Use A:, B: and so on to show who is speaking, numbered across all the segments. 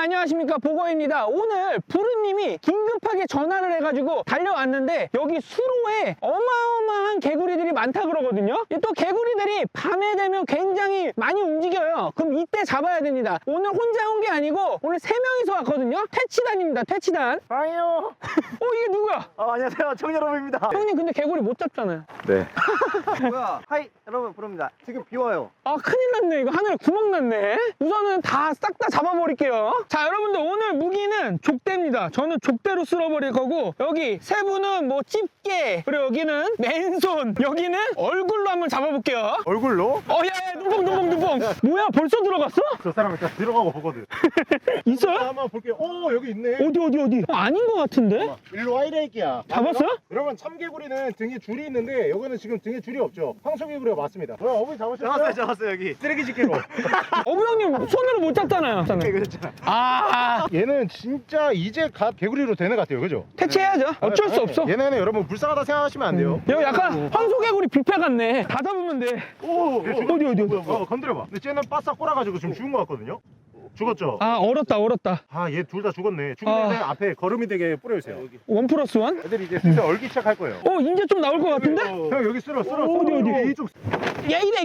A: 안녕하십니까, 보거입니다. 오늘 부르님이 긴급하게 전화를 해가지고 달려왔는데 여기 수로에 어마어마한 개구리들이 많다 그러거든요. 또 개구리들이 밤에 되면 굉장히 많이 움직여요. 그럼 이때 잡아야 됩니다. 오늘 혼자 온 게 아니고 오늘 3명이서 왔거든요. 퇴치단입니다. 퇴치단.
B: 아니요.
A: 이게 누구야?
B: 안녕하세요. 청여러분입니다.
A: 형님 근데 개구리 못 잡잖아요.
B: 네. 뭐야? 하이 여러분 부릅니다. 지금 비 와요.
A: 아, 큰일 났네. 이거 하늘에 구멍 났네. 우선은 다 싹 다 잡아버릴게요. 자, 여러분들 오늘 무기는 족대입니다. 저는 족대로 쓸어버릴 거고, 여기 세 분은 뭐 집게, 그리고 여기는 맨손, 여기는 얼굴로 한번 잡아볼게요.
B: 얼굴로?
A: 야, 눈뽕. 뭐야, 벌써 들어갔어?
B: 저 사람 일단 들어가고 보거든.
A: 있어요?
B: 한번 볼게요. 여기 있네.
A: 어디? 아닌 것 같은데?
B: 일로 와 이래 이끼야.
A: 잡았어요?
B: 여러분 참개구리는 등에 줄이 있는데 여기는 지금 등에 줄이 없죠. 황소개구리가 맞습니다. 어머니 잡으셨어요? 잡았어요 여기. 쓰레기 집게로.
A: 어부 형님 손으로 못 잡잖아요.
B: 그랬잖아. 얘는 진짜 이제 갓 개구리로 되는 것 같아요, 그죠?
A: 퇴치해야죠. 어쩔 수 없어.
B: 얘네는 여러분 불쌍하다 생각하시면 안 돼요.
A: 여기 약간 황소개구리 뷔페 같네. 다 잡으면 돼.
B: 어디? 건드려봐. 근데 쟤는 바싹 꼬라가지고 지금 죽은 것 같거든요. 죽었죠?
A: 얼었다.
B: 얘 둘 다 죽었네. 죽는데 앞에 걸음이 되게 뿌려주세요.
A: 1+1?
B: 애들이 이제 슬슬 얼기 시작할 거예요.
A: 이제 좀 나올 것 같은데?
B: 형 여기 쓸어.
A: 어디?
B: 이쪽.
A: 야, 이래,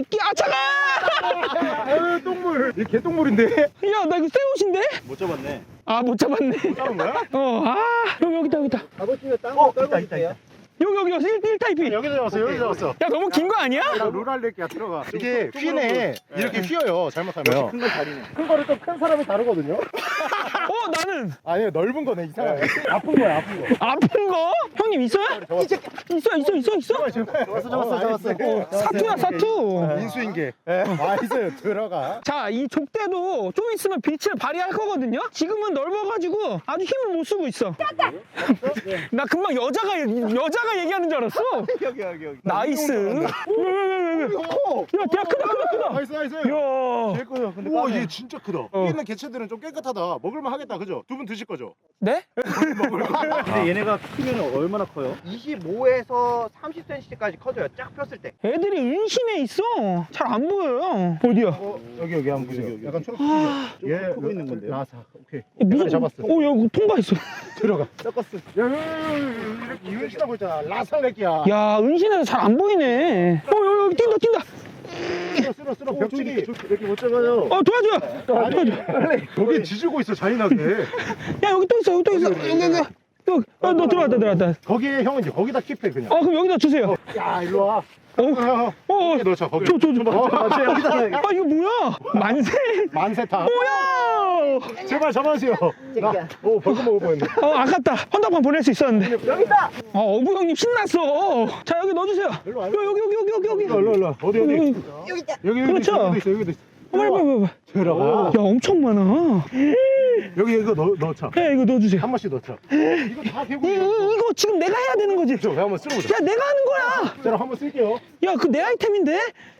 A: 차가!
B: 똥물. 이 개똥물인데?
A: 야, 나 이거 새 옷인데?
B: 못 잡았네.
A: 못 잡았네.
B: 잡은 거야?
A: 여기다.
B: 아버지가 딴거 떨고 있다.
A: 여기 1타입이.
B: 여기서 잡았어.
A: 야, 너무 긴 거 아니야?
B: 룰알레끼야 들어가. 이게 휘네. 이렇게 휘어요. 잘못하면. 큰 건 다리네. 큰 거를 또 큰 사람이 다루거든요.
A: 나는.
B: 아니요, 넓은 거네 이상하게. 아픈 거야, 아픈 거.
A: 아픈 거? 형님 있어요? 있어.
B: 잡았어.
A: 사투야, 사투.
B: 인수인계. 있어요. 들어가.
A: 자, 이 족대도 좀 있으면 빛을 발휘할 거거든요? 지금은 넓어가지고 아주 힘을 못 쓰고 있어. 나 금방 여자가 얘기하는 줄 알았어.
B: 여기.
A: 나이스. 야, 크다.
B: 나이스.
A: 야.
B: 제일 커요. 근데 우와, 얘 진짜 크다. 여기 있는 개체들은 좀 깨끗하다. 먹을만 하겠다, 그죠? 두 분 드실 거죠?
A: 네?
C: 근데 얘네가 크면 얼마나 커요? 25에서 30cm까지 커져요. 쫙 폈을 때.
A: 애들이 은신에 있어. 잘 안 보여요. 어디야?
B: 여기 한번 보세요. 약간 초록색. 얘
C: 크고 있는 건데요.
B: 라사. 오케이.
A: 무슨
B: 잡았어.
A: 여기 통과했어.
B: 들어가.
C: 섞었어.
B: 이렇게 이은신하고 있잖아. 라살레끼야.
A: 야, 은신에서 잘 안 보이네. 여기 뛴다.
B: 쓸어. 벽치기. 이렇게 못 잡아요.
A: 도와줘.
B: 여기 지지고 있어, 잔인하게.
A: 야, 여기 또 있어. 여기. 너 들어왔다.
B: 거기에 형은 이제 거기다 킵해, 그냥.
A: 그럼 여기다 주세요.
B: 야, 일로 와.
A: 거기
B: 넣자, 거기.
A: 줘.
B: 여기다.
A: 이거 뭐야?
B: 만세타.
A: 뭐야?
B: 제발 잡아주세요. 벌금 먹을 뻔했네.
A: 아깝다. 헌납판 보낼 수 있었는데.
B: 여기 있다.
A: 어부 형님 신났어. 자, 여기 넣어주세요.
B: 일로 와.
A: 여기.
B: 일로. 어디?
A: 여기 있다.
B: 여기도
A: 그렇죠.
B: 있어.
A: 빨리.
B: 들어가.
A: 야, 엄청 많아.
B: 여기 이거 넣자.
A: 야, 이거 넣어주세요.
B: 한 번씩 넣자. 이거 다 개구리.
A: 이거 지금 내가 해야 되는 거지?
B: 저 한번 쓸어보자.
A: 야, 내가 하는 거야.
B: 자, 한번 쓸게요.
A: 야, 그 내 아이템인데?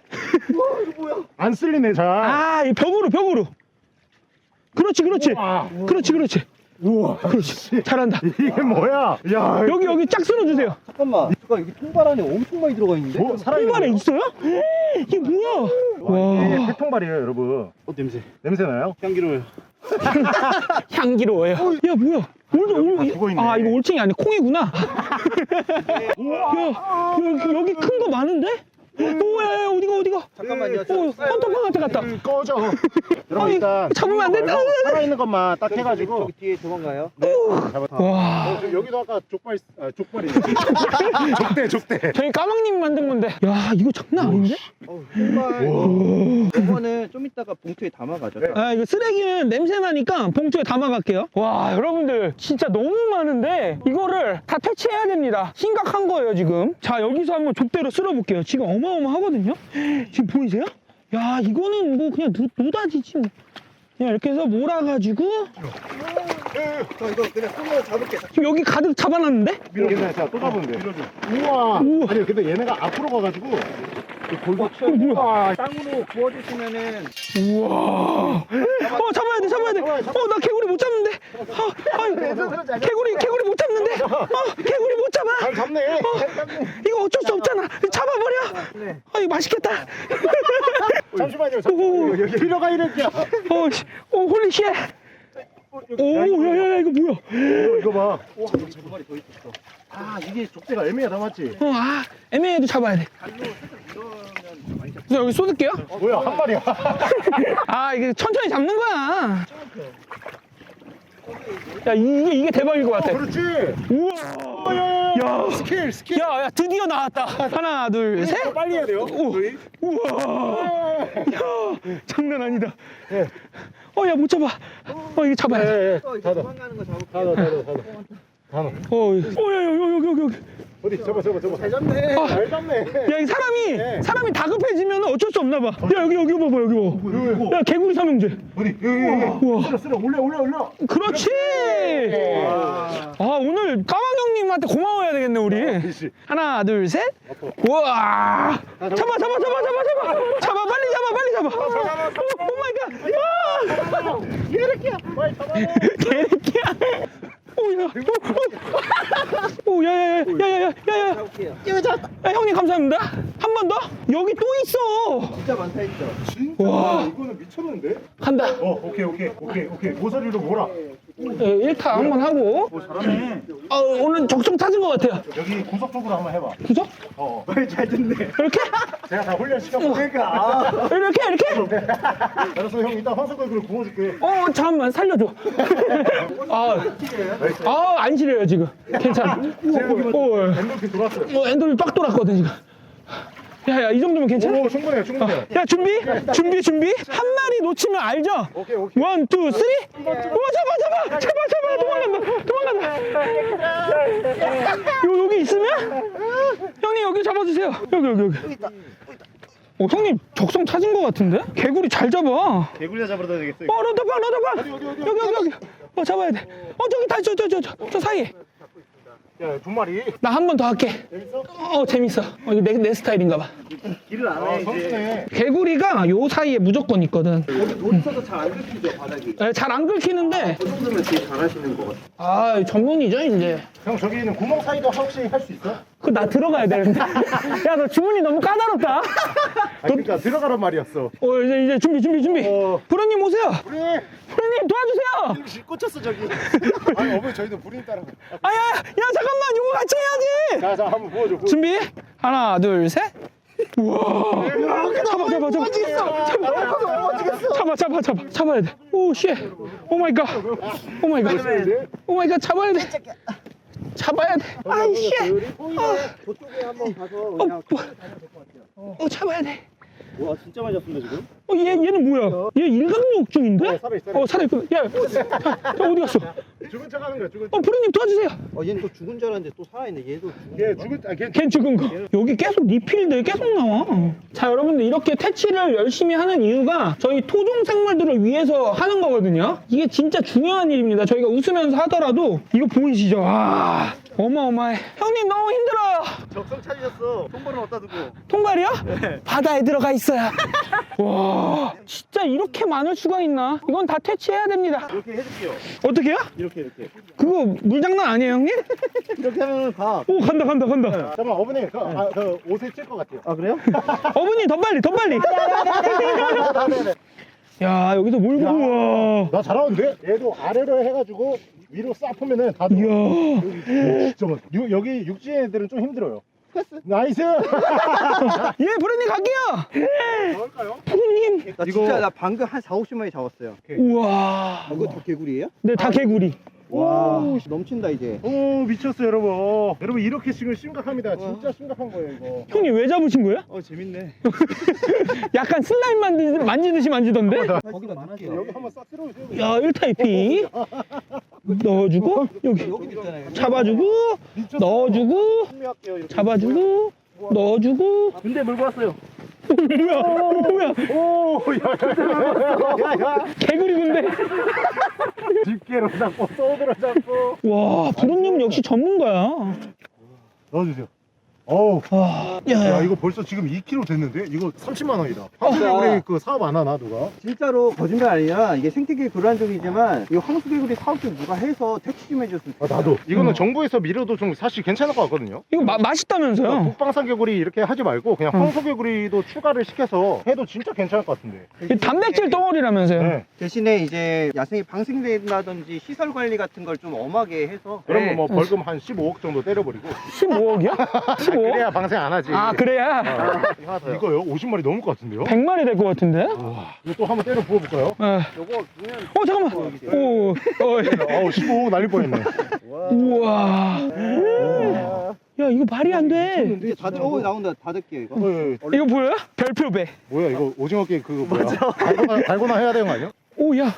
B: 안 쓸리네, 자.
A: 이 벽으로. 그렇지.
B: 우와.
A: 그렇지.
B: 우와.
A: 그렇지. 잘한다.
B: 이게 뭐야? 야.
A: 여기 쫙 쓸어주세요.
C: 잠깐만. 여기 통발 안에 엄청 많이 들어가 있는데?
A: 통발에 있어요? 이게 뭐야?
B: 이게
A: 와,
B: 폐통발이에요, 여러분.
C: 냄새.
B: 냄새 나요?
C: 향기로워요.
A: 향기로워요. 야, 뭐야?
B: 다 죽어있네.
A: 이거 올챙이 아니 콩이구나. 야, 여기 큰 거 많은데? 야, 어디가?
C: 잠깐만요.
A: 헌터방한테 갔다.
B: 꺼져. 여러분, 일단
A: 잡으면 안 된다.
B: 살아있는 것만 딱 해가지고.
C: 저기 뒤에 도망가요.
A: 와,
B: 여기도 아까 족발이. 족대.
A: 저희 까망님 만든 건데. 야, 이거 장난 아닌데?
C: 통발. 이거는 좀 이따가 봉투에 담아가죠.
A: 이거 쓰레기는 냄새 나니까 봉투에 담아갈게요. 와, 여러분들 진짜 너무 많은데 이거를 다 퇴치해야 됩니다. 심각한 거예요, 지금. 자, 여기서 한번 족대로 쓸어볼게요. 지금 어마어마하거든요. 지금 보이세요? 야, 이거는 뭐 그냥 노다지지 뭐. 그냥 이렇게 해서 몰아가지고
C: 저 이거 그냥 손으로 잡을게.
A: 지금 여기 가득 잡아놨는데?
B: 괜찮아. 자, 또 잡으면 돼. 우와. 아니, 근데 얘네가 앞으로 가가지고.
C: 우와. 땅으로 구워주시면은.
A: 우와. 잡아야 돼. 나 개구리 못 잡는데. 개구리 못 잡는데. 개구리 못 잡아.
B: 잘 잡네.
A: 이거 어쩔 수 없잖아. 잡아버려. 이거 맛있겠다.
B: 잠시만요. 여기 들어가 이럴게요.
A: 홀리쉣. 야야야 이거 뭐야?
B: 이거 봐.
C: 와, 여기 두 마리 더 있었어.
B: 아, 이게 족대가 애매하다, 맞지?
A: 애매해도 잡아야 돼.
C: 발로 살짝 밀어면 많이 잡.
A: 그래서 여기 쏟을게요.
B: 뭐야, 한 마리야.
A: 아 이게 천천히 잡는 거야. 야 이게 대박일 것 같아.
B: 그렇지.
A: 우와. 야.
B: 스킬.
A: 야 드디어 나왔다. 하나 둘 셋.
B: 빨리 해야 돼요. 저희.
A: 우와. 야 장난 아니다.
B: 예.
A: 야 못 잡아. 이거 잡아야 돼.
B: 닫아.
C: 도망가는 거 잡을게요.
B: 닫아.
A: 여기.
B: 어디? 잡아.
C: 잘 잡네.
B: 잘 잡네.
A: 야, 이
B: 네.
A: 사람이 다급해지면 어쩔 수 없나 봐. 야, 여기 봐봐, 여기 봐. 야, 개구리 삼형제.
B: 어디?
A: 우와.
B: 여기. 쓸어. 올려.
A: 그렇지! 오늘 까망 형님한테 고마워해야 되겠네, 우리.
B: 그렇지.
A: 하나, 둘, 셋. 우와! 잡아, 빨리 잡아. 오 마이 갓!
B: 얘를 빨리 잡아.
A: 개새끼야! 야야야야야야야야!
C: 잡을게요.
A: 야, 형님 감사합니다. 한 번 더? 여기 또 있어.
C: 진짜 많다 했죠.
B: 진짜.
A: 와.
B: 이거는 미쳤는데?
A: 간다.
B: 오케이. 모서리로 몰아.
A: 1타 한번 하고.
B: 잘하네.
A: 오늘 적성 찾은 것 같아요.
B: 여기 구석 쪽으로 한번 해봐.
A: 구석?
C: 잘 듣네.
A: 이렇게?
B: 제가 다 훈련시켰고. 그러니까.
A: 이렇게?
B: 알았어, 형. 이따 화석을 구워줄게.
A: 잠깐만 살려줘. 안 시려요 지금. 괜찮아.
B: 엔돌핀 돌았어요.
A: 엔돌이 빡 돌았거든 지금. 야 이 정도면 괜찮아?
B: 오, 충분해요.
A: 야 준비. 한 마리 놓치면 알죠?
B: 오케이.
A: 1, 2, 3. 잡아. 도망간다. 여기 있으면? 형님 여기 잡아주세요. 여기. 형님 적성 찾은 것 같은데? 개구리 잘 잡아.
C: 개구리나 잡으러 다니겠어.
A: 너도 봐. 여기. 잡아야 돼. 저기 다 저 사이에.
B: 야, 두 마리.
A: 나 한 번 더 할게.
B: 재밌어?
A: 재밌어. 이거 내 스타일인가 봐.
C: 길을 안 해, 이제.
B: 선수네.
A: 개구리가 요 사이에 무조건 있거든.
C: 여기 돌 있어서 잘 안 긁히죠, 바닥이.
A: 잘 안 긁히는데,
C: 그 정도면 되게 잘하시는 것 같아요.
A: 전문이죠, 이제.
B: 형, 저기 있는 구멍 사이도 혹시 할 수 있어?
A: 그거 나 들어가야 되는데. 야, 너 주문이 너무 까다롭다.
B: 그러니까 들어가란 말이었어.
A: 이제 준비. 부르님 오세요. 부르님 도와주세요.
C: 꽂혔어, 저기.
B: 아니, 어머니 저희도 불임 따라.
A: 야, 잠깐만. 이거 같이 해야지.
B: 자, 한번 부어줘.
A: 준비. 하나, 둘, 셋. 우와. 잡아야 돼. 오, 쉣. 오 마이 갓. 잡아야 돼. 아이, 쉣.
C: 저쪽에 한번 가서 그냥
A: 잡아야 돼.
C: 와, 진짜 많이 잡습니다, 지금.
A: 얘는 뭐야? 얘 일광욕증인데?
B: 살아있어.
A: 살아있거든. 야, 어디 갔어?
B: 죽은 척 하는 거야, 죽은 척.
A: 부르님 도와주세요.
C: 얘는 또 죽은 줄 알았는데 또 살아있네. 얘도 죽은
B: 걔 죽은, 걔
A: 걘 죽은 거. 여기 계속 리필들 계속 나와. 자, 여러분들 이렇게 퇴치를 열심히 하는 이유가 저희 토종 생물들을 위해서 하는 거거든요. 이게 진짜 중요한 일입니다. 저희가 웃으면서 하더라도 이거 보이시죠? 어마어마해. 형님 너무 힘들어요.
C: 적성 찾으셨어. 손발은 어디다 두고.
A: 통발이요? 바다에 들어가 있어요. 와, 진짜 이렇게 많을 수가 있나? 이건 다 퇴치해야 됩니다.
C: 이렇게 해줄게요.
A: 어떻게요?
C: 이렇게.
A: 그거 물장난 아니에요, 형님?
C: 이렇게 하면 가.
A: 오, 간다.
B: 잠깐만, 어머니, 그 옷에 찔 것 같아요.
C: 아, 그래요?
A: 어머니, 더 빨리. 야, 여기서 물고, 우와.
B: 나 잘하는데? 얘도 아래로 해가지고 위로 싹 풀면은 다 들어.
A: 이야.
B: 진짜 여기 육지 애들은 좀 힘들어요. 나이스!
A: 예, 부르님 갈게요.
B: 나올까요?
A: 부르님.
C: 나 진짜 나 방금 한 4, 50마리 잡았어요.
A: 우와.
C: 이거 다 개구리예요?
A: 네, 다 개구리.
C: 와, 넘친다 이제.
B: 오, 미쳤어, 여러분. 여러분, 이렇게 지금 심각합니다. 진짜 심각한 거예요, 이거.
A: 형님 왜 잡으신 거예요?
C: 재밌네.
A: 약간 슬라임 만지듯이 만지던데?
C: 거기다 넣을게요.
B: 여기 한번 싹 쓸어주세요.
A: 야, 1타입이 넣어주고, 여기
C: 여기도 있잖아요.
A: 잡아주고, 넣어주고,
B: 준비할게요, 이렇게.
A: 잡아주고, 넣어주고.
C: 근데 물고 왔어요.
A: 뭐야?
B: 오, 야.
A: 개구리 군대.
B: 집게로 잡고, 소드로 잡고.
A: 와, 부르님 역시 전문가야.
B: 넣어주세요. 어우.
A: 야,
B: 야, 이거 벌써 지금 2kg 됐는데? 이거 30만 원이다. 황수개구리 그 사업 안 하나, 누가?
C: 진짜로 거짓말 아니라 이게 생태계 불안정이지만 이 황수개구리 사업 좀 누가 해서 퇴치 좀 해줬으면
B: 아, 나도. 이거는 정부에서 밀어도 좀 사실 괜찮을 것 같거든요.
A: 이거 맛있다면서요?
B: 북방산개구리 이렇게 하지 말고 그냥 황소개구리도 추가를 시켜서 해도 진짜 괜찮을 것 같은데.
A: 이 단백질 덩어리라면서요?
B: 네.
C: 대신에 이제 야생이 방생된다든지 시설 관리 같은 걸 좀 엄하게 해서
B: 그러면 뭐 벌금 한 15억 정도 때려버리고.
A: 15억이요? 15억?
B: 그래야 방생 안 하지.
A: 아, 그래야?
B: 이거요? 50마리 넘을 것 같은데요?
A: 100마리 될 것 같은데?
B: 와, 이거 또 한번 때려 부어볼까요?
C: 요거 보면
A: 잠깐만. 오,
B: 아우 15억 날릴 뻔했네.
A: 우와. 야, 이거 말이 안 돼.
C: 이제 다 나온다. 다득게 이거.
A: 이거 보여요? 별표배.
B: 뭐야 이거 오징어 게임 그거 뭐야? 달고나 해야 되는 거 아니야?
A: 오, 야.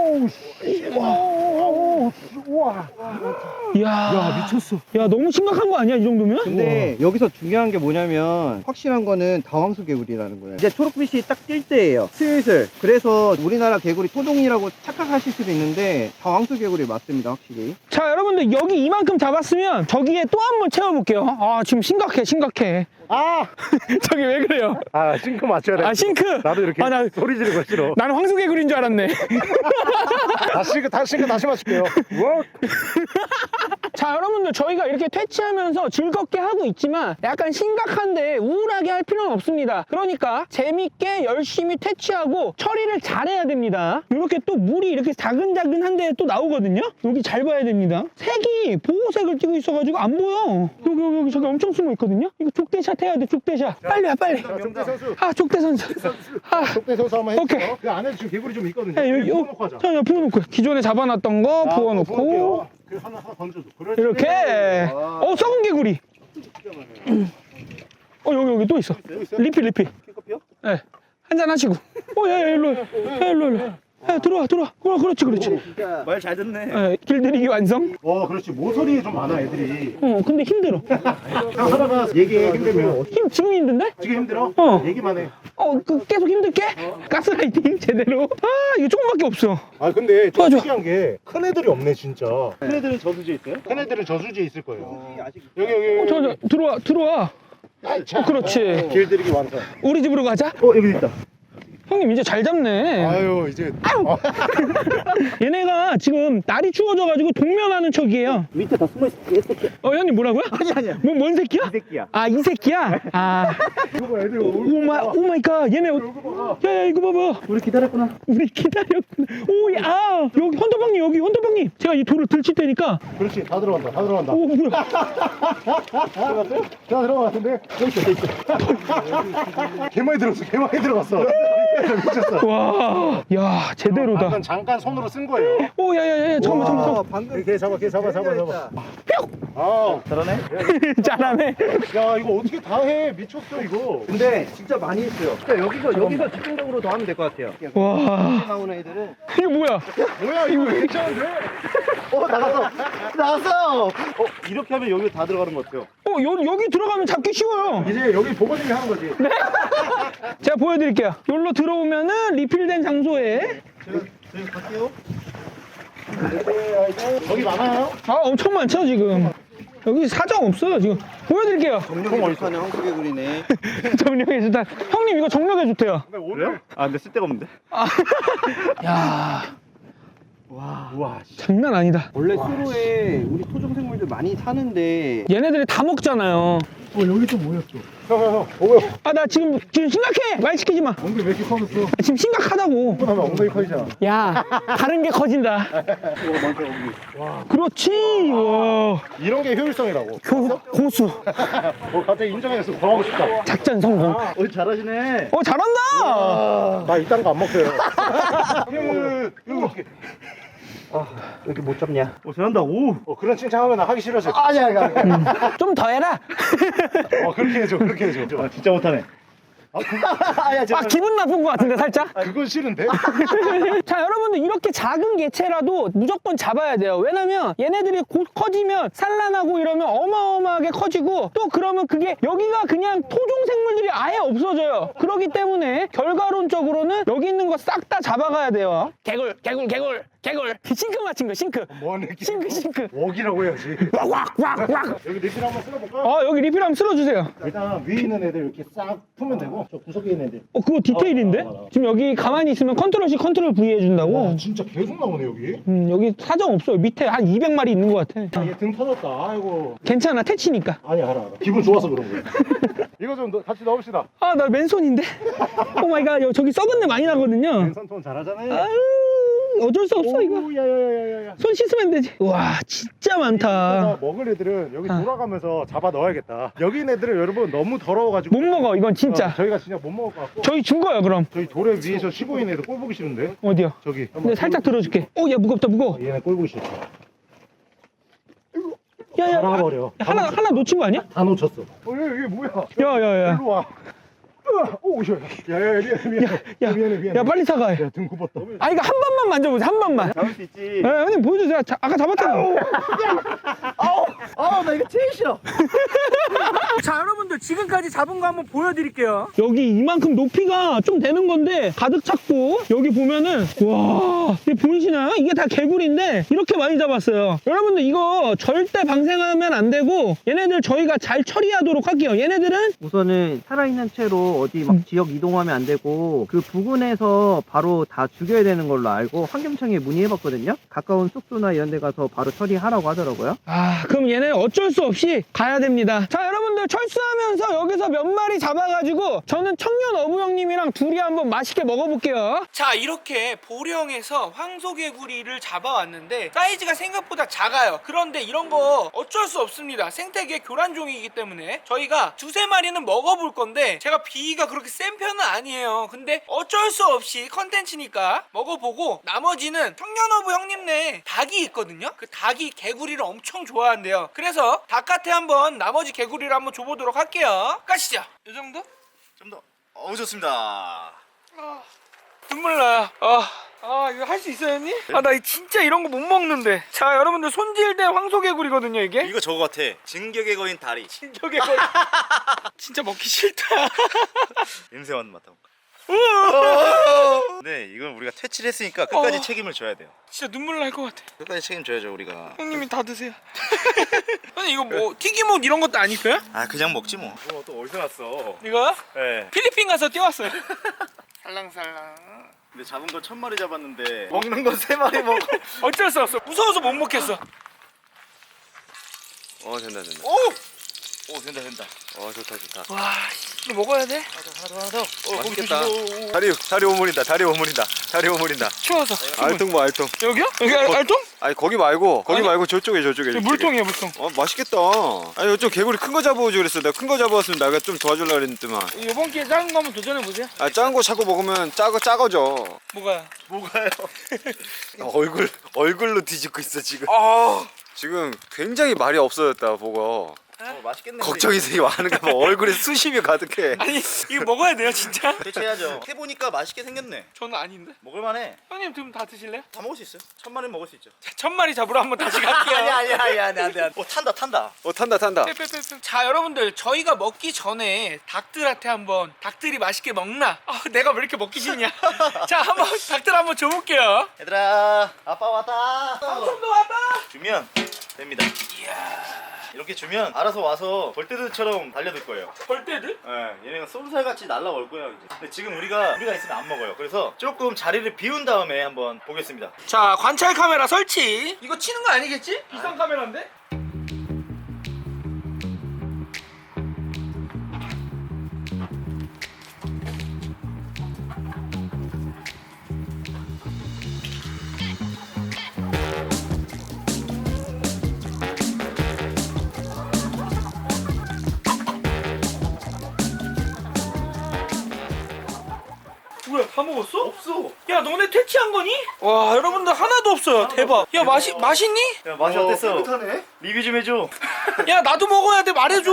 B: 우와.
A: 야,
B: 야 미쳤어.
A: 야, 너무 심각한 거 아니야, 이 정도면?
C: 근데 여기서 중요한 게 뭐냐면 확실한 거는 다황수개구리라는 거예요. 이제 초록빛이 딱 뜰 때예요. 슬슬. 그래서 우리나라 개구리 토종이라고 착각하실 수도 있는데 다황수개구리 맞습니다, 확실히.
A: 자, 여러분들 여기 이만큼 잡았으면 저기에 또 한 번 채워볼게요. 아, 지금 심각해.
B: 아,
A: 저기 왜 그래요?
B: 아 싱크 맞춰야 돼.
A: 아, 싱크.
B: 나도 이렇게
A: 아, 나-
B: 소리 지르고 싫어.
A: 나는 황소개구리인 줄 알았네.
B: 다시 맞출게요.
A: 자, 여러분들 저희가 이렇게 퇴치하면서 즐겁게 하고 있지만 약간 심각한데 우울하게 할 필요는 없습니다. 그러니까 재밌게 열심히 퇴치하고 처리를 잘해야 됩니다. 이렇게 또 물이 이렇게 자근자근한데 또 나오거든요. 여기 잘 봐야 됩니다. 색이 보호색을 띠고 있어가지고 안 보여. 여기 저기 엄청 숨어 있거든요. 이거 족대샷 해야 돼, 족대샷. 빨리 와, 빨리.
B: 자, 정대 선수.
A: 아, 족대 선수. 아,
B: 족대 선수 한번
A: 오케이.
B: 해주세요. 그 안에 지금 개구리 좀 있거든요.
A: 야, 여기,
B: 부어놓고 하자.
A: 자, 부어놓고. 기존에 잡아놨던 거
B: 자,
A: 부어놓고.
B: 부어놓을게요. 그 하나 던져줘. 그렇지.
A: 이렇게. 썩은 개구리. 여기 또 있어. 리필.
C: 킹커피요?
A: 예. 한잔 하시고. 야, 일로. 야, 들어와. 그렇지.
C: 진짜 말 잘 듣네.
A: 예, 길들이기 완성.
B: 그렇지. 모서리에 좀 많아 애들이.
A: 근데 힘들어.
B: 형 하다가 얘기해 힘들면.
A: 지금 힘든데?
B: 지금 힘들어? 얘기만 해.
A: 계속 힘들게? 가스라이팅 제대로. 이거 조금밖에 없어.
B: 아 근데 좀
A: 도와줘.
B: 특이한 게 큰 애들이 없네 진짜.
C: 큰 애들은 저수지에 있어요?
B: 큰 애들은 저수지에 있을 거예요.
C: 아직
B: 여기.
A: 저, 들어와. 그렇지.
B: 길들이기 완성.
A: 우리 집으로 가자.
C: 여기 있다.
A: 형님 이제 잘 잡네.
B: 아유 이제.
A: 얘네가 지금 날이 추워져가지고 동면하는 척이에요.
C: 밑에 다 숨어 있어. 개새끼.
A: 형님 뭐라고요?
C: 아니야.
A: 뭔 새끼야?
C: 이 새끼야.
A: 아, 이 새끼야?
B: 이거 봐 애들
A: 오마이갓. 얘네. 야, 이거 봐봐.
C: 우리 기다렸구나.
A: 우리 기다렸구나. 여기 헌터방님. 제가 이 돌을 들칠 테니까.
B: 그렇지 다 들어간다.
A: 오, 뭐야.
B: 들어갔어요? 다 들어갔는데 여기 있어. 개 많이 들어갔어. 미쳤어.
A: 와, 야, 제대로다.
B: 잠깐 손으로 쓴 거예요.
A: 야, 잠깐만.
C: 방금
B: 걔 잡아. 아,
C: 잘하네.
A: 잘하네.
B: 야 이거 어떻게 다 해? 미쳤어 이거.
C: 근데 진짜 많이 했어요. 그러니까 여기서 집중적으로 더 하면 될 것 같아요.
A: 와,
C: 나오는 애들은
A: 이게 뭐야?
B: 뭐야 이거 괜찮은데?
C: 나갔어. 이렇게 하면 여기 다 들어가는 것 같아요.
A: 여기 들어가면 잡기 쉬워요.
B: 이제 여기 보고님이 하는 거지.
A: 제가 보여드릴게요. 여기로 들어오면은 리필된 장소에.
C: 저희 갈게요.
B: 저기 많아요?
A: 엄청 많죠, 지금. 여기 사정 없어요, 지금. 보여드릴게요.
C: 정력이 좋다는 황소개구리네.
A: 정력에 좋다. 형님, 이거 정력에 좋대요.
B: 근데 오늘
C: 근데 쓸데가 없는데.
A: 야,
B: 우와.
A: 장난 아니다.
C: 원래 수로에 우리 토종 생물들 많이 사는데
A: 얘네들이 다 먹잖아요.
B: 여기 또 뭐였죠? 형. 뭐야?
A: 나 지금 심각해. 말 시키지 마.
B: 엉덩이 왜 이렇게 커졌어?
A: 지금 심각하다고.
B: 하면 엉덩이 커지잖아.
A: 야, 다른 게 커진다. 그렇지. 와.
B: 이런 게 효율성이라고.
A: 고수.
B: 갑자기 인정해서 더 하고 싶다.
A: 작전 성공.
C: 잘하시네.
A: 잘한다.
B: 나 이딴 거 안 먹어요.
C: 이렇게 못 잡냐? 잘한다. 오.
B: 그런 칭찬하면 나 하기 싫어져.
C: 아니야.
A: 좀 더 해라.
B: 그렇게 해줘.
C: 진짜 못하네.
A: 기분 나쁜 것 같은데, 살짝?
B: 그건 싫은데?
A: 자, 여러분들 이렇게 작은 개체라도 무조건 잡아야 돼요. 왜냐면 얘네들이 곧 커지면 산란하고 이러면 어마어마하게 커지고 또 그러면 그게 여기가 그냥 토종 생물들이 아예 없어져요. 그렇기 때문에 결과론적으로는 여기 있는 거 싹 다 잡아가야 돼요. 개굴. 개굴. 싱크 맞힌 거, 싱크.
B: 뭐하는
A: 싱크.
B: 웍이라고 해야지.
A: 왁.
B: 여기 리필 한번 쓸어볼까?
A: 여기 리필 한번 쓸어주세요.
B: 일단 위에 있는 애들 이렇게 싹 풀면 되고 저 구석에 있는 애들.
A: 그거 디테일인데? 지금 여기 가만히 있으면 컨트롤 C 컨트롤 V 해준다고.
B: 와 진짜 계속 나오네 여기.
A: 여기 사정 없어요. 밑에 한 200마리 있는 것 같아.
B: 얘 등 터졌다. 아이고.
A: 괜찮아, 퇴치니까.
B: 아니 알아. 기분 좋아서 그런 거야. 이거 좀 같이 넣읍시다.
A: 아, 나 맨손인데? 오 마이 갓, 저기 썩은 내 많이 나거든요.
B: 왼손 톤 잘하잖아요.
A: 아유, 어쩔 수 없어, 이거.
B: 야야야야야.
A: 손 씻으면 되지. 와, 진짜 많다.
B: 먹을 애들은 여기 돌아가면서 잡아 넣어야겠다. 여기 있는 애들은 여러분 너무 더러워가지고
A: 못 먹어, 이건 진짜.
B: 저희가 진짜 못 먹을 것 같고.
A: 저희 준 거야, 그럼.
B: 저희 돌에 위에서 쉬고 있는 애들 꼴 보기 싫은데.
A: 어디요?
B: 저기.
A: 근데 살짝 들어줄게. 오, 야, 무겁다, 무거워.
B: 얘네 꼴 보기 싫어.
A: 야, 야,
B: 갈아버려.
A: 하나 놓친 거 아니야?
B: 다 놓쳤어. 얘 뭐야?
A: 야.
B: 일로 와. 오, 야야야 미안해.
A: 야, 빨리 사과해.
B: 야, 등 굽었다.
A: 아, 이거 한 번만 만져보세요, 한 번만.
B: 잡을 수 있지.
A: 네, 형님 보여주세요. 아까 잡았잖아요.
C: 나 이거 제일 싫어.
A: 자, 여러분들 지금까지 잡은 거 한번 보여드릴게요. 여기 이만큼 높이가 좀 되는 건데 가득 찼고, 여기 보면은 와, 이게 보이시나요? 이게 다 개구리인데 이렇게 많이 잡았어요. 여러분들 이거 절대 방생하면 안 되고, 얘네들 저희가 잘 처리하도록 할게요. 얘네들은
C: 우선은 살아있는 채로 어디 막 지역 이동하면 안 되고 그 부근에서 바로 다 죽여야 되는 걸로 알고 환경청에 문의해봤거든요. 가까운 숙소나 이런 데 가서 바로 처리하라고 하더라고요.
A: 그럼 얘네 어쩔 수 없이 가야 됩니다. 자, 여러분들 철수하면서 여기서 몇 마리 잡아가지고 저는 청년 어부 형님이랑 둘이 한번 맛있게 먹어볼게요. 자, 이렇게 보령에서 황소개구리를 잡아왔는데 사이즈가 생각보다 작아요. 그런데 이런 거 어쩔 수 없습니다. 생태계 교란종이기 때문에 저희가 두세 마리는 먹어볼 건데, 제가 비위가 그렇게 센 편은 아니에요. 근데 어쩔 수 없이 컨텐츠니까 먹어보고, 나머지는 청년어부 형님네 닭이 있거든요. 그 닭이 개구리를 엄청 좋아한대요. 그래서 닭한테 한번 나머지 개구리를 한번 줘보도록 할게요. 가시죠. 이 정도?
D: 좀 더. 좋습니다.
A: 눈물 나요. 이거 할 수 있어요, 형님? 나 진짜 이런 거 못 먹는데. 자, 여러분들 손질된 황소개구리거든요, 이게.
D: 이거 저거 같아. 진격의 거인 다리.
A: 진격의 거인. 진짜 먹기 싫다.
D: 냄새 맡아볼까? 네, 이건 우리가 퇴치를 했으니까 끝까지 책임을 져야 돼요.
A: 진짜 눈물 날 것 같아.
D: 끝까지 책임져야죠 우리가.
A: 형님이 다 드세요. 형님 이거 뭐 튀김옷 이런 것도 아니고요?
D: 그냥 먹지 뭐. 또 어디서 났어?
A: 이거
D: 네.
A: 필리핀 가서 띄웠어요. 살랑살랑.
D: 근데 잡은 거 1000마리 잡았는데 먹는 거 3마리 먹어.
A: 어쩔 수 없어. 무서워서 못 먹겠어.
D: 된다. 오, 된다. 좋다.
A: 와, 이거 먹어야 돼?
D: 하나 더.
B: 맛있겠다.
D: 다리 오므린다.
A: 추워서.
D: 알통 뭐 알통.
A: 여기요? 여기 알통?
D: 아니 거기 말고
A: 아니,
D: 저쪽에.
A: 물통이에요, 물통.
D: 맛있겠다. 아니 좀 개구리 큰 거 잡아오지 그랬어. 내가 큰 거 잡아왔으면 내가 좀 도와주려고 그랬더만.
A: 이번 기회에 작은 거 한번 도전해 보세요.
D: 작은 거 자꾸 먹으면 작아져.
A: 뭐가요?
D: 뭐가요? 얼굴로 뒤집고 있어 지금. 지금 굉장히 말이 없어졌다 보고. 맛있겠네. 걱정이 되게 많은가 봐. 얼굴에 수심이 가득해.
A: 아니, 이거 먹어야 돼요, 진짜?
D: 대체해야죠. 해보니까 맛있게 생겼네.
A: 저는 아닌데.
D: 먹을만해.
A: 형님 지금 다 드실래요?
D: 다 먹을 수 있어요. 1000마리 먹을 수 있죠.
A: 자, 1000마리 잡으러 한번 다시 갈게요.
D: 아니 안돼. 탄다.
A: 자, 여러분들 저희가 먹기 전에 닭들한테 한번 닭들이 맛있게 먹나? 내가 왜 이렇게 먹기 싫냐? 자, 한번 닭들 한번 줘볼게요.
D: 얘들아, 아빠 왔다.
A: 삼촌도 왔다.
D: 주면 됩니다.
A: 이야,
D: 이렇게 주면 알아서 와서 벌떼들처럼 달려들 거예요.
A: 벌떼들?
D: 네, 얘네가 쏜살같이 날라올 거예요 이제. 근데 지금 우리가 있으면 안 먹어요. 그래서 조금 자리를 비운 다음에 한번 보겠습니다.
A: 자, 관찰 카메라 설치. 이거 치는 거 아니겠지? 비싼 카메라인데? 뭐야, 다 먹었어?
D: 없어.
A: 야, 너네 퇴치한 거니? 와, 여러분들 하나도 없어요. 대박. 야, 맛있니?
D: 야, 맛이 어땠어?
B: 깨끗하네.
D: 리뷰 좀 해줘.
A: 야, 나도 먹어야 돼. 말해줘.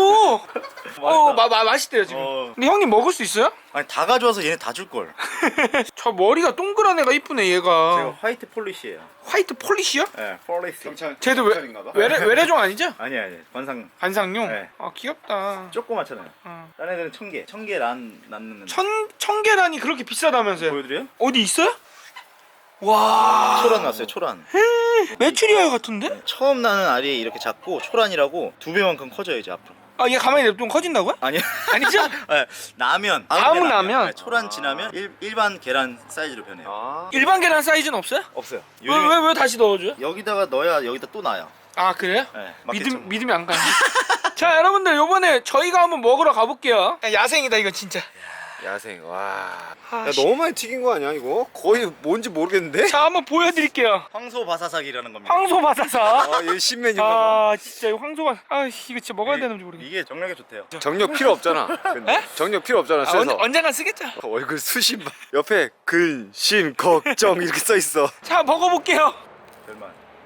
A: 맛있대요 지금. 근데 형님 먹을 수 있어요?
D: 아니 다 가져와서 얘네 다 줄 걸.
A: 저 머리가 동그란 애가 이쁘네,
D: 제가
A: 얘가.
D: 화이트 폴리시예요.
A: 화이트 폴리시요?
D: 네, 폴리시.
A: 쟤도 외래종 아니죠?
D: 아니 관상.
A: 관상용?
D: 네.
A: 귀엽다.
D: 조그맣잖아요.
A: 어.
D: 다른 애들은 청개 란 낳는.
A: 청계란이 그렇게 비싸다면서요?
D: 보여드려요?
A: 어디 있어요? 와.
E: 초란 났어요, 초란.
A: 메추리알 같은데?
E: 처음 나는 알이 이렇게 작고 초란이라고 2배만큼 커져요 이제 앞으로.
A: 아, 얘 가만히 냅두면 커진다고요?
E: 아니요.
A: 아니죠?
E: 네, 나면
A: 아무 라면?
E: 네, 초란 지나면 일반 계란 사이즈로 변해요.
D: 아
A: 일반 계란 사이즈는 없어요?
E: 없어요.
A: 왜 다시 넣어줘요?
E: 여기다가 넣어야 여기다 또 나요.
A: 아, 그래요?
E: 네, 맞겠죠.
A: 믿음이 안 가요. 자, 여러분들 요번에 저희가 한번 먹으러 가볼게요. 야생이다 이거 진짜.
D: 야생 와
A: 아,
D: 야, 너무 많이 튀긴 거 아니야 이거? 거의 뭔지 모르겠는데?
A: 자, 한번 보여드릴게요.
E: 황소바사삭이라는 겁니다.
A: 황소바사사.
D: 아얘 신메뉴인가 봐
A: 아, 진짜 이 황소가. 아, 이거 진짜 먹어야 되는지 모르겠네.
E: 이게 정력에 좋대요.
D: 정력 필요 없잖아 근데 정력 필요 없잖아
A: 아,
D: 쎄서
A: 언젠간 쓰겠죠.
D: 얼굴 수신 봐 옆에 근심 걱정 이렇게 써있어
A: 자, 먹어볼게요.
E: 별만.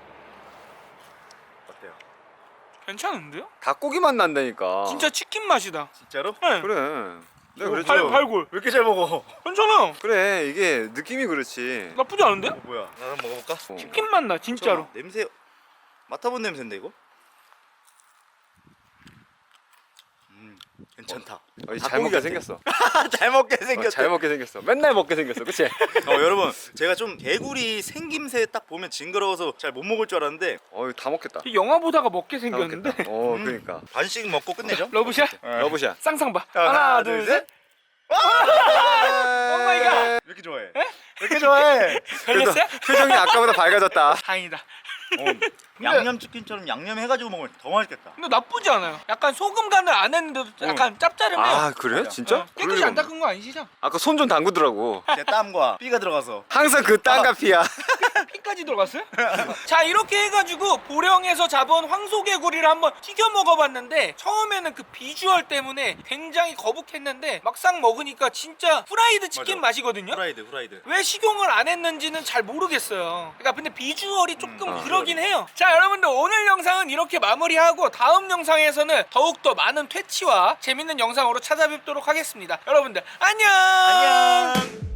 E: 어때요?
A: 괜찮은데요?
D: 닭고기 맛 난다니까
A: 진짜 치킨 맛이다.
E: 진짜로?
A: 네.
D: 그래 내가 그랬죠
A: 발골.
E: 왜 이렇게 잘 먹어?
A: 괜찮아.
D: 그래 이게 느낌이 그렇지
A: 나쁘지 않은데?
E: 뭐야? 나 한번 먹어볼까?
A: 치킨 맛 나, 진짜로.
E: 냄새 맡아본 냄새인데 이거? 괜찮다.
D: 잘 먹게 생겼어
E: 잘 먹게 생겼어.
D: 잘 먹게 생겼어 맨날 먹게 생겼어 그치?
E: 여러분 제가 좀 개구리 생김새 딱 보면 징그러워서 잘 못 먹을 줄 알았는데
D: 다 먹겠다
A: 이 영화 보다가 먹게
D: 다
A: 생겼는데.
D: 먹겠다 그러니까
E: 반씩 먹고 끝내죠.
A: 러브샷?
D: 러브샷
A: 쌍쌍바.
E: 하나,
A: 하나,
E: 둘,
A: 둘,
E: 셋.
A: 셋. 오 마이 갓.
E: 왜 이렇게 좋아해? 왜 이렇게 좋아해?
A: 걸렸어요?
D: 표정이 아까보다 밝아졌다
A: 다행이다.
E: 양념치킨처럼 양념해가지고 먹으면 더 맛있겠다.
A: 근데 나쁘지 않아요. 약간 소금 간을 안 했는데도 약간 짭짤해요.
D: 아 그래? 진짜?
A: 깨끗이
D: 그럴
A: 안
D: 리가
A: 닦은 거 아니시죠?
D: 아까 손 좀 담그더라고
E: 내 땀과 피가 들어가서.
D: 항상 그 땀과 피야
A: 피까지 들어갔어요? 자, 이렇게 해가지고 보령에서 잡은 황소개구리를 한번 튀겨 먹어봤는데 처음에는 그 비주얼 때문에 굉장히 거북했는데 막상 먹으니까 진짜 프라이드 치킨
E: 맞아.
A: 맛이거든요?
E: 후라이드.
A: 왜 식용을 안 했는지는 잘 모르겠어요. 그러니까 근데 비주얼이 조금
D: 아,
A: 그러긴 해요. 자, 여러분들 오늘 영상은 이렇게 마무리하고 다음 영상에서는 더욱더 많은 퇴치와 재밌는 영상으로 찾아뵙도록 하겠습니다. 여러분들 안녕!